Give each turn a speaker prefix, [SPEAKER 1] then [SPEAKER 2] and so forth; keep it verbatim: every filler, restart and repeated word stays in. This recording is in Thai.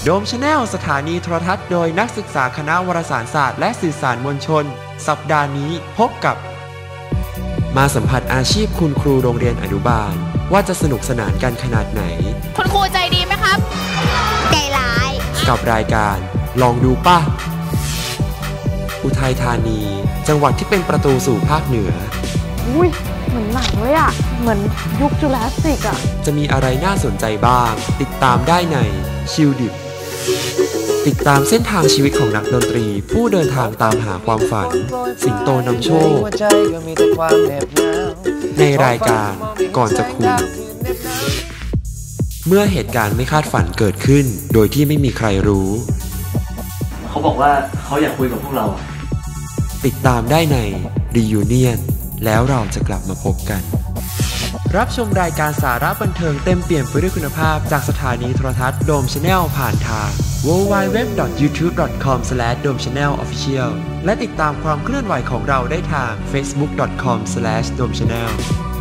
[SPEAKER 1] โดมชาแนลสถานีโทรทัศน์โดยนักศึกษาคณะวารสารศาสตร์และสื่อสารมวลชนสัปดาห์นี้พบกับมาสัมผัสอาชีพคุณครูโรงเรียนอนุบาลว่าจะสนุกสนานกันขนาดไหน
[SPEAKER 2] คุณครูใจดีไหมครับใจร้าย
[SPEAKER 1] กับรายการลองดูป่ะอุทัยธานีจังหวัดที่เป็นประตูสู่ภาคเหนือ
[SPEAKER 3] อุ้ยเหมือนหนังเลยอ่ะเหมือนยุคจูราสสิกอ่ะ
[SPEAKER 1] จะมีอะไรน่าสนใจบ้างติดตามได้ในชิลดิบติดตามเส้นทางชีวิตของนักดนตรีผู้เดินทางตามหาความฝันสิงโตนำโชคในรายการก่อนจะคุยเมื่อเหตุการณ์ไม่คาดฝันเกิดขึ้นโดยที่ไม่มีใครรู้
[SPEAKER 4] เขาบอกว่าเขาอยากคุยกับพวกเรา
[SPEAKER 1] ติดตามได้ใน Reunion แล้วเราจะกลับมาพบกันรับชมรายการสาระบันเทิงเต็มเปี่ยมไปด้วยคุณภาพจากสถานีโทรทัศน์โดมชาแนลผ่านทาง ดับเบิลยู ดับเบิลยู ดับเบิลยู ดอท ยูทูบ ดอท คอม สแลช โดมชาแนล ออฟฟิเชียล และติดตามความเคลื่อนไหวของเราได้ทาง เฟซบุ๊ก ดอท คอม สแลช โดมชาแนล